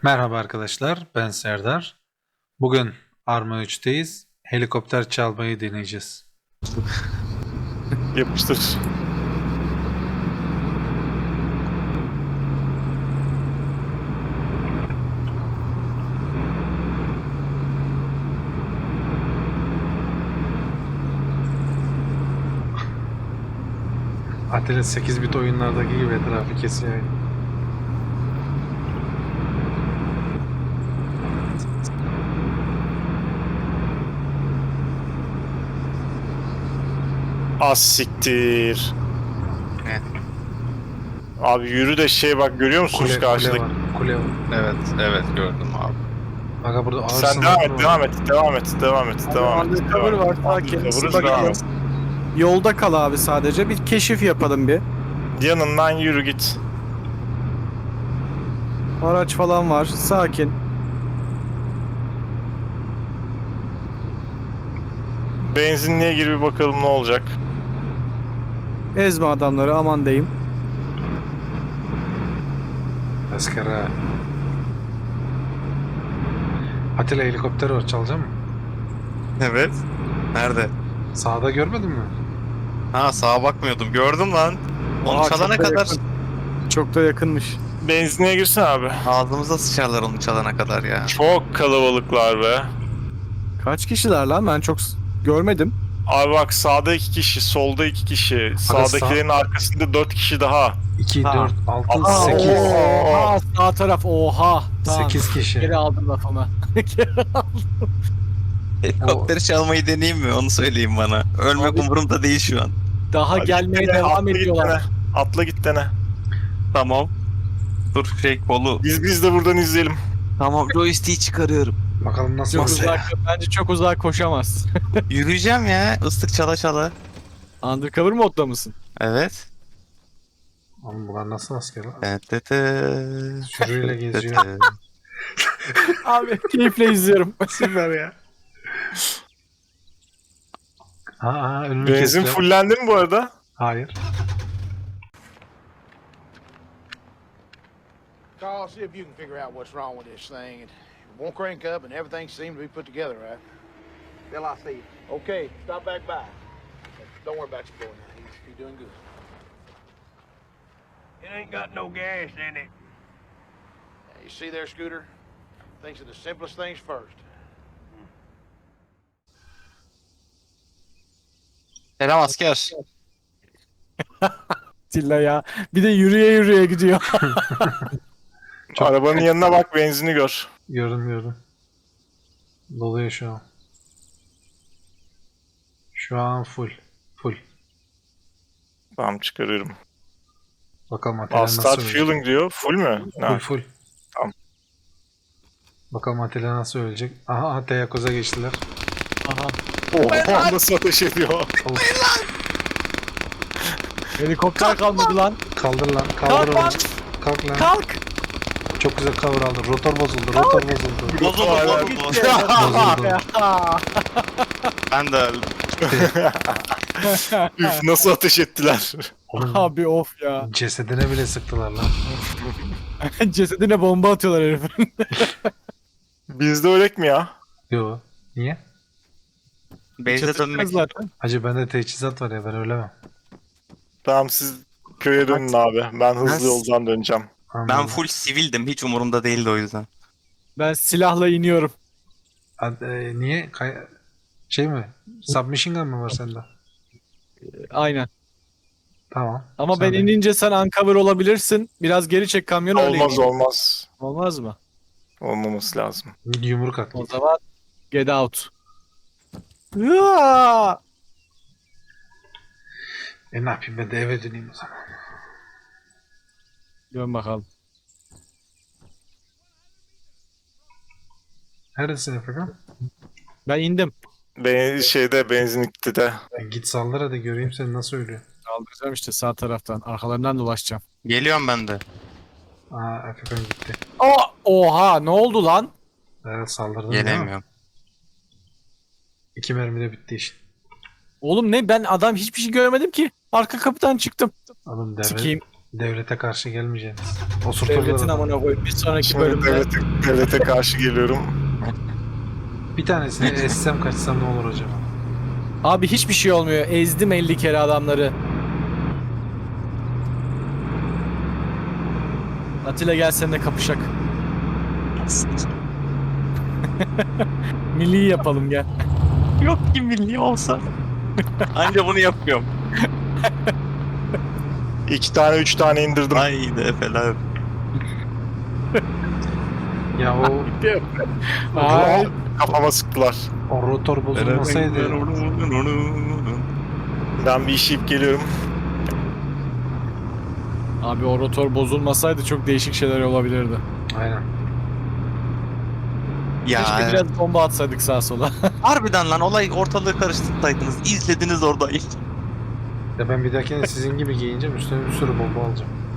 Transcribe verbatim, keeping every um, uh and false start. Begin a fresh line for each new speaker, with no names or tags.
Merhaba arkadaşlar, ben Serdar. Bugün Arma üçteyiz. Helikopter çalmayı deneyeceğiz.
Yapıştır.
Atilla sekiz bit oyunlardaki gibi etrafı kesiyor.
Az siktir.
Ne?
Abi yürü de şey bak görüyor musunuz
Kule, kule
karşıdaki?
var, kule var.
Evet, evet gördüm abi.
Bak burada ağır
Sen
sınırlar
devam et,
var.
devam et, devam et, devam et, devam et.
Undercover
devam
var
et.
sakin.
Undercover'ız,
Bak,
devam et.
Yolda kal abi sadece. Bir keşif yapalım bir.
Yanından yürü git.
Araç falan var. Sakin.
Benzinliğe gir bir bakalım ne olacak.
Ezme adamları aman diyeyim.
Askara. Atilla helikopter var, çalacak mı?
Evet. Nerede?
Sağda görmedin mi?
Ha, sağa bakmıyordum. Gördüm lan. Onu
Aa,
çalana
çok da
kadar
yakın. Çok da yakınmış.
Benzinliğe girsin abi.
ağzımıza sıçarlar onu çalana kadar ya.
Çok kalabalıklar be.
Kaç kişiler lan? Ben çok s- görmedim.
Abi bak sağda iki kişi, solda iki kişi, sağdakilerin arkasında dört kişi daha.
iki,
Ha.
dört, altı,
Aa,
sekiz.
Oha, sağ taraf oha. Tamam.
sekiz kişi.
Geri aldım lafımı.
Helikopteri çalmayı deneyeyim mi? Onu söyleyin bana. Ölmek
Abi-
umurumda değil şu an.
Daha
Hadi
gelmeye
git dene,
devam
atla git
ediyorlar.
dene. Atla git dene.
Tamam. Dur şey kolu.
Biz biz de buradan izleyelim.
Tamam, joystick'i çıkarıyorum.
Bakalım nasıl
Çok
masaya.
uzak, bence çok uzağa koşamaz.
Yürüyeceğim ya. Islık çala çala.
Undercover modda mısın?
Evet.
Oğlum bunlar nasıl asker lan?
Tı-tı-tı.
Sürüyle geziyor.
Tı-tı.
Abi keyifle izliyorum.
Süper ya.
Ha, ha önünü
Benzin
kestiler.
fullendi mi bu arada?
Hayır.
Carl, see if you can figure out what's wrong with this thing. It won't crank up and everything seems to be put together, right? Bill, I see you. Okay, stop back by. Don't worry about your boy now. He's, he's doing good.
It ain't got no gas in it.
Now, you see there, Scooter? Thinks of the simplest things first.
Selam asker.
Tilla ya. Bir de yürüye yürüye gidiyor.
Arabanın yanına bak, benzini gör.
Gördüm gördüm. Doluyor şu an. Şu an full. Full.
Tamam çıkarıyorum.
Bakalım Atilla
Aa,
nasıl
start
ölecek.
fueling diyor. Full mü?
Full
Ha.
full.
Tamam.
Bakalım Atilla nasıl ölecek. Aha, aha Teyakkoz'a geçtiler.
Aha.
Oha nasıl ateş ediyor?
Helikopter kalmadı lan.
Kaldır lan. Kaldır
Kalk
onu.
lan.
Kalk lan.
Kalk.
Çok güzel cover aldı. Rotor bozuldu. Rotor bozuldu.
Bozuldu
Hala-
bozuldu.
Bozuldu.
Ben de öldüm.
Üf nasıl ateş ettiler?
Oğlum,
Abi of ya.
cesedine bile sıktılar lan.
Cesedine bomba atıyorlar herifin.
Bizde öylek mi ya?
Yo. Niye?
Base'e dönmek.
zaten.
Hacı bende teçhizat var ya, ben ölemem.
Tamam siz köye dönün abi. Ben hızlı
Nasıl?
yoldan döneceğim.
Ben
Anladım.
full sivildim. Hiç umurumda değildi o yüzden.
Ben silahla iniyorum.
Ad- e, niye? Kay- şey mi? Submachine gun mı var sende?
Aynen.
Tamam.
Ama
Sen
ben
de.
inince sen uncover olabilirsin. Biraz geri çek kamyonu öyle
Olmaz
in.
olmaz.
Olmaz mı?
Olmaması lazım.
Yumruk at.
O zaman get out. Hıa!
E ne yapayım, ben de eve döneyim o zaman.
Dön bakalım.
Neredesin Efekan?
Ben indim.
Ben şeyde benzinlikte de.
E git saldır hadi, göreyim seni nasıl ölüyor.
Kaldıracağım işte sağ taraftan. Arkalarından dolaşacağım.
Geliyorum ben de.
Aa, Efekan gitti.
Aa, oha ne oldu lan?
Evet, saldırdın değil mi?
Gelemiyorum.
İki mermide bitti iş.
Oğlum ne, ben adam hiçbir şey görmedim ki. Arka kapıdan çıktım.
Oğlum deve,
Sikeyim.
Devlete karşı gelmeyeceksiniz.
Devletin
Osurturlar.
amına koyayım. Bir sonraki
Şimdi
bölümde
devlete, devlete karşı geliyorum.
Bir tanesini essem kaçsam ne olur acaba?
abi hiçbir şey olmuyor. Ezdim elli kere adamları. Atilla gel seninle kapışak. Milli yapalım gel.
Yok ki milli olsa. Anca bunu yapıyorum.
İki tane üç tane indirdim.
Haydi efeler.
Ya o,
Ay.
Kafama sıktılar.
o rotor bozulmasaydı
Ben bir işeyip geliyorum.
Abi o rotor bozulmasaydı çok değişik şeyler olabilirdi.
aynen.
Ya
Keşke biraz bomba atsaydık sağa sola.
harbiden lan olay ortalığı karıştırsaydınız. İzlediniz orada.
Ya ben bir dahakine sizin gibi giyineceğim üstüne bir sürü bomba alacağım.